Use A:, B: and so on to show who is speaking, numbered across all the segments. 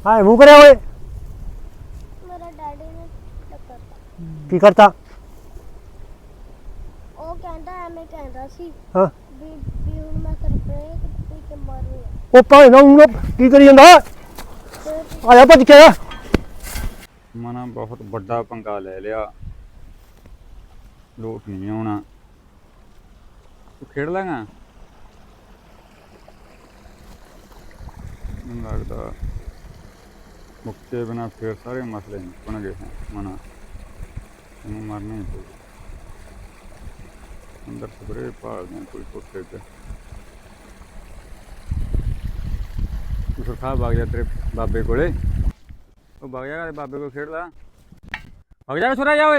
A: हाँ मुँह करे हुए
B: मेरा डैडी ने टक्कर
A: की करता
B: ਉਹ ਕਹਿੰਦਾ ਐਵੇਂ ਕਹਿੰਦਾ ਸੀ
A: हाँ
B: ਵੀ ਹੁਣ ਮੈਂ ਸਰਪ੍ਰੇ ਪੀ ਕੇ ਮਾਰੂੰਗਾ
A: वो भाई ना ऊँग की करी जांदा
B: ਫਿਰ
A: आया भज के आया
C: ਮਨਾ ਬਹੁਤ ਵੱਡਾ ਪੰਗਾ ਲੈ ਲਿਆ। ਲੋਟ ਨਹੀਂ ਆਉਣਾ। ਤੂੰ ਖੇਡ ਲਾਂਗਾ? ਮੈਨੂੰ ਲੱਗਦਾ ਮੁੱਕੇ ਬਿਨਾ ਫਿਰ ਸਾਰੇ ਮਸਲੇ ਨਿਕਲਣਗੇ। ਮਨਾ ਇਹਨੂੰ ਮਾਰਨਾ ਹੀ ਪਊ। ਅੰਦਰ ਸਪਰੇ ਭਾਲਦੇ ਕੋਈ ਕੋਠੇ ਤੇ। ਤੂੰ ਸੁਰਖਾ ਵਗ ਜਾ ਤੇਰੇ ਬਾਬੇ ਕੋਲੇ। ਉਹ ਵਗ ਜਾ ਬਾਬੇ ਕੋਲ ਖੇਡ ਲਾ। ਵਗ ਜਾ ਛੋਰਾ ਜਾ ਓਏ।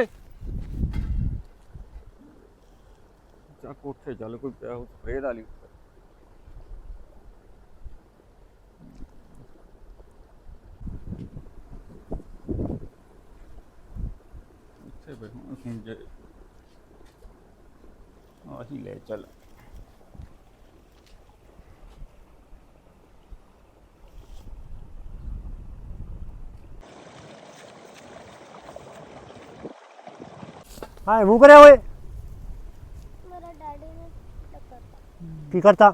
C: ਚਾ ਕੋਠੇ ਚੱਲ ਕੋਈ ਪਿਆ ਸਪਰੇ ਵਾਲੀ। ਇੱਥੇ ਬੈਠੋ ਸੁਣ ਜੇ ਆਹੀ ਲੈ ਚੱਲ।
A: हाँ मुँह करे हुए
B: ਮੇਰਾ ਡੈਡੀ ਨੇ ਟੱਕਰ
A: की करता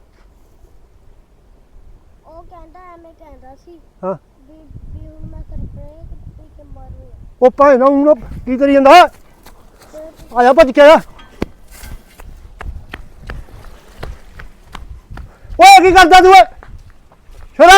B: ਉਹ ਕਹਿੰਦਾ ਐਵੇਂ ਕਹਿੰਦਾ ਸੀ
A: हाँ
B: ਵੀ ਹੁਣ ਮੈਂ ਸਰਪ੍ਰੇ ਪੀ ਕੇ ਮਾਰੂੰਗਾ
A: वो भाई ना ऊँग की करी जांदा
B: ਫਿਰ
A: आया भज के आया ओए की करदा तू छोरा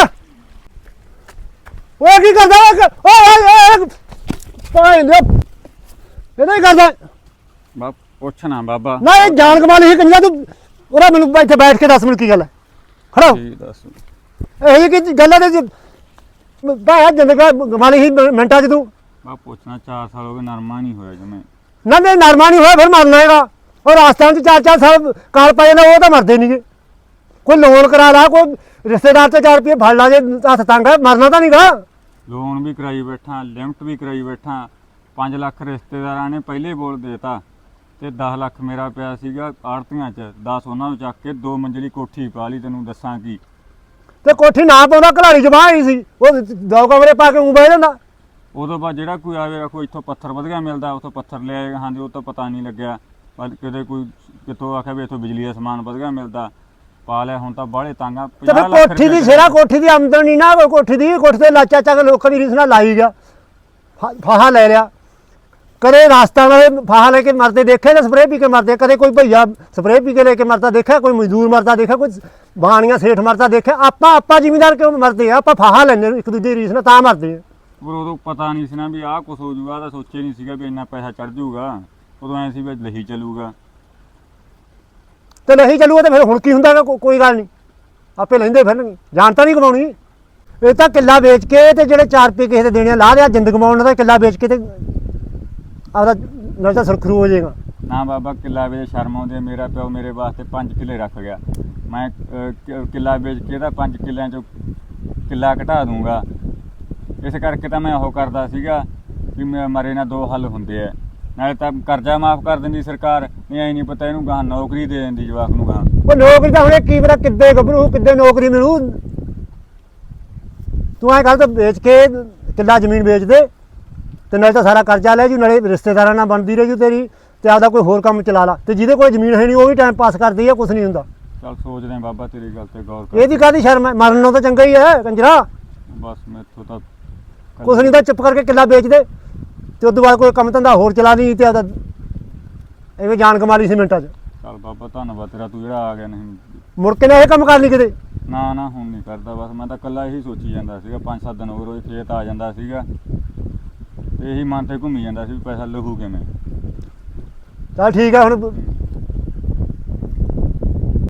A: ओए की करदा ओए भाई ने ये नहीं करदा
C: ਬਾ ਪੁੱਛਣਾ ਬਾਬਾ।
A: ना ये जान कमाल ही कंजा तू ओरा मैनू इत्थे बैठ के 10 मिनट की गल है खड़ा हो
C: ਕੀ ਦੱਸ
A: ਇਹ ਕੀ ਗੱਲ ਹੈ ਤੇ ਬਾਹਰ ਜਿੰਦਗਾ ਕਮਾਲੀ ਹੀ ਮਿੰਟਾਂ ਚ ਤੂੰ
C: ਬਾ ਪੁੱਛਣਾ 4 ਸਾਲ ਹੋ ਗਏ ਨਰਮਾ ਨਹੀਂ ਹੋਇਆ ਜਮੇ।
A: ਨਾ ਨਹੀਂ ਨਰਮਾ ਨਹੀਂ ਹੋਇਆ ਫਿਰ ਮਰਨਾ ਹੈਗਾ ਉਹ ਰਾਜਸਥਾਨ ਚ 4-4 ਸਾਲ ਕਾਲ ਪੈ ਜਾਂਦਾ ਉਹ ਤਾਂ ਮਰਦੇ ਨਹੀਂਗੇ ਕੋਈ ਲੋਨ ਕਰਾ ਲਾ ਕੋਈ ਰਿਸ਼ਤੇਦਾਰ ਤੇ 4 ਰੁਪਏ ਫੜ ਲਾ ਜੇ ਹੱਥ ਤੰਗ ਹੈ ਮਰਨਾ ਤਾਂ ਨਹੀਂਗਾ
C: ਲੋਨ ਵੀ ਕਰਾਈ ਬੈਠਾ ਲਿਮਟ ਵੀ ਕਰਾਈ ਬੈਠਾ 5 ਲੱਖ ਰਿਸ਼ਤੇਦਾਰਾਂ ਨੇ ਪਹਿਲੇ ਬੋਲ ਦੇਤਾ ਤੇ 10 ਲੱਖ ਮੇਰਾ ਪਿਆ ਸੀਗਾ ਆੜਤੀਆਂ ਚ 10 ਉਹਨਾਂ ਨੂੰ ਚੱਕ ਕੇ 2 ਮੰਜ਼ਲੀ ਕੋਠੀ ਪਾ ਲਈ। ਤੈਨੂੰ ਦੱਸਾਂ ਕੀ
A: ਤੇ ਕੋਠੀ ਨਾ ਪਾਉਂਦਾ ਘਲਾੜੀ ਜਮਾ ਹੀ ਸੀ ਉਹ 2 ਕਮਰੇ ਪਾ ਕੇ ਉਂ ਬਹਿ ਜਾਂਦਾ।
C: ਉਦੋਂ ਬਾਅਦ ਜਿਹੜਾ ਕੋਈ ਆਵੇ ਰੱਖੋ ਇੱਥੋਂ ਪੱਥਰ ਵਧੀਆ ਮਿਲਦਾ ਉੱਥੋਂ ਪੱਥਰ ਲੈ ਆਏ ਹਾਂਜੀ ਉਹ ਤਾਂ ਪਤਾ ਨਹੀਂ ਲੱਗਿਆ ਪਰ ਕਿਤੇ ਕੋਈ ਕਿਤੋਂ ਆਖਿਆ ਵੀ ਇੱਥੋਂ ਬਿਜਲੀ ਦਾ ਸਮਾਨ ਵਧੀਆ ਮਿਲਦਾ ਪਾ ਲਿਆ। ਹੁਣ ਤਾਂ ਬਾਹਲੇ ਤਾਂਗਾ
A: ਤੇ ਫਿਰ ਕੋਠੀ ਦੀ ਸਿਰਾ ਕੋਠੀ ਦੀ ਆਮਦਨ ਨਹੀਂ ਨਾ ਕੋਈ ਕੋਠੀ ਦੀ ਕੋਠੀ ਤੇ ਲਾਚਾ ਚੱਕ ਲੋਕਾਂ ਦੀ ਰੀਸ ਨਾਲ ਲਾਈ ਗਿਆ ਫਾਹਾ ਲੈ ਲਿਆ। ਕਦੇ ਰਾਸਤਾ ਵਾਲੇ ਫਾਹਾ ਲੈ ਕੇ ਮਰਦੇ ਦੇਖੇ ਨਾ ਸਪਰੇਅ ਪੀ ਕੇ ਮਰਦੇ ਕਦੇ ਕੋਈ ਭਈਆ ਸਪਰੇਅ ਪੀ ਕੇ ਲੈ ਕੇ ਮਰਦਾ ਦੇਖਿਆ ਕੋਈ ਮਜ਼ਦੂਰ ਮਰਦਾ ਦੇਖਿਆ ਕੋਈ ਬਾਣੀਆਂ ਸੇਠ ਮਰਦਾ ਦੇਖਿਆ ਆਪਾਂ ਜ਼ਿਮੀਂਦਾਰ ਕਿਉਂ ਮਰਦੇ ਆ ਆਪਾਂ ਫਾਹਾ ਲੈਂਦੇ ਇੱਕ ਦੂਜੇ ਦੀ ਰੀਸ ਨਾਲ ਤਾਂ ਮਰਦੇ ਆ।
C: ਪਰ ਉਦੋਂ ਪਤਾ ਨਹੀਂ ਸੀ ਨਾ ਵੀ ਆਹ ਕੁਛ ਹੋ ਜੂਗਾ ਤਾਂ ਸੋਚੇ ਨਹੀਂ ਸੀਗਾ ਵੀ ਇੰਨਾ ਪੈਸਾ ਚੜ ਜੂਗਾ। ਉਦੋਂ ਐਂ ਸੀ ਵੀ ਲਹੀ ਚੱਲੂਗਾ
A: ਤੇ ਨਹੀਂ ਚੱਲੂਗਾ ਤੇ ਫਿਰ ਹੁਣ ਕੀ ਹੁੰਦਾ ਗਾ ਕੋਈ ਗੱਲ ਨਹੀਂ ਆਪੇ ਲੈਂਦੇ ਫਿਰਨਗੇ ਜਾਨ ਤਾਂ ਨਹੀਂ ਕਮਾਉਣੀ। ਇਹ ਤਾਂ ਕਿੱਲਾ ਵੇਚ ਕੇ ਤੇ ਜਿਹੜੇ 4 ਰੁਪਏ ਕਿਸੇ ਦੇ ਦੇਣੇ ਆ, ਲਾ ਲਿਆ ਜਿੰਦ ਕਮਾਉਣ ਦਾ ਕਿੱਲਾ ਵੇਚ ਕੇ ਤੇ ਆਪਦਾ ਨਾਲ ਤਾਂ ਸੁਰਖਰੂ ਹੋ ਜਾਏਗਾ।
C: ਨਾ ਬਾਬਾ ਕਿੱਲਾ ਵੇਚ ਸ਼ਰਮ ਆਉਂਦੀ ਹੈ। ਮੇਰਾ ਪਿਓ ਮੇਰੇ ਵਾਸਤੇ 5 ਕਿੱਲੇ ਰੱਖ ਗਿਆ। ਮੈਂ ਕਿੱਲਾ ਵੇਚ ਕੇ ਤਾਂ 5 ਕਿੱਲਿਆਂ ਚੋਂ ਕਿੱਲਾ ਘਟਾ ਦੂੰਗਾ। ਇਸ ਕਰਕੇ ਤਾਂ ਮੈਂ ਉਹ ਕਰਦਾ ਸੀਗਾ ਵੀ ਮਰੇ ਨਾ 2 ਹੱਲ ਹੁੰਦੇ ਆ। ਨਾਲੇ ਤਾਂ ਕਰਜ਼ਾ ਮਾਫ ਕਰ ਦਿੰਦੀ ਸਰਕਾਰ ਨਹੀਂ ਐ ਨਹੀਂ ਪਤਾ ਇਹਨੂੰ ਗਾਂ ਨੌਕਰੀ ਦੇ ਦਿੰਦੀ ਜਵਾਕ ਨੂੰ ਗਾਂ।
A: ਉਹ ਨੌਕਰੀ ਤਾਂ ਹੁਣੇ ਕੀ ਪਤਾ ਕਿੱਦੇ ਗੱਭਰੂ ਕਿੱਦੇ ਨੌਕਰੀ ਮਿਲੂ। ਤੂੰ ਐਂ ਕਰ ਤਾਂ ਵੇਚ ਕੇ ਕਿੱਲਾ ਜ਼ਮੀਨ ਵੇਚ ਦੇ ਤੇ ਨਾਲੇ ਤਾਂ ਸਾਰਾ ਕਰਜ਼ਾ ਲੈ ਜੂ ਨਾਲੇ ਰਿਸ਼ਤੇਦਾਰਾਂ ਨਾਲ ਬਣਦੀ ਰਹਿ ਜੂ ਤੇਰੀ ਤੇ ਆਪਦਾ ਕੋਈ ਹੋਰ ਕੰਮ ਚਲਾ ਲਾ ਤੇ ਜਿਹਦੇ ਕੋਲ ਜ਼ਮੀਨ ਹੈ ਨਹੀਂ ਉਹ ਵੀ ਟਾਈਮ ਪਾਸ ਕਰਦੀ ਆ ਕੁਛ ਨਹੀਂ ਹੁੰਦਾ।
C: ਚੱਲ ਸੋਚਦੇ ਆ ਬਾਬਾ ਤੇਰੀ ਗੱਲ ਤੇ ਗੌਰ ਕਰ।
A: ਇਹਦੀ ਕਾਹਦੀ ਸ਼ਰਮ ਹੈ ਮਰਨ ਨੂੰ ਤਾਂ ਚੰਗਾ ਹੀ ਹੈ ਕੰਜਰਾ।
C: ਬਸ ਮੈਥੋਂ ਤਾਂ
A: ਕੁਛ ਨਹੀਂ ਤਾਂ ਚੁੱਪ ਕਰਕੇ ਕਿੱਲਾ ਵੇਚ ਦੇ ਤੇ ਉਦੋਂ ਬਾਅਦ ਕੋਈ ਕੰਮ ਧੰਦਾ ਹੋਰ ਚਲਾ ਨਹੀਂ ਤੇ ਆਪਦਾ ਐਵੇਂ ਜਾਨ ਕਮਾ ਲਈ ਸੀ ਮਿੰਟਾਂ 'ਚ।
C: ਚੱਲ ਬਾਬਾ ਧੰਨਵਾਦ ਤੇਰਾ ਤੂੰ ਜਿਹੜਾ ਆ ਗਿਆ। ਨਹੀਂ
A: ਮੁੜ ਕੇ ਨਾ ਇਹ ਕੰਮ ਕਰ ਲਈ ਕਿਤੇ।
C: ਨਾ ਨਾ ਹੁਣ ਨਹੀਂ ਕਰਦਾ ਬਸ ਮੈਂ ਤਾਂ ਇਕੱਲਾ ਇਹੀ ਸੋਚੀ ਜਾਂਦਾ ਸੀਗਾ 5-7 ਦਿਨ ਹੋ ਗਏ ਰੋਜ਼ ਖੇਤ ਆ ਜਾਂਦਾ ਸੀਗਾ ਤੇ ਇਹੀ ਮਨ ਤੇ ਘੁੰਮੀ ਜਾਂਦਾ ਸੀ ਵੀ ਪੈਸਾ ਲੱਗੂ ਕਿਵੇਂ।
A: ਚੱਲ ਠੀਕ ਆ ਹੁਣ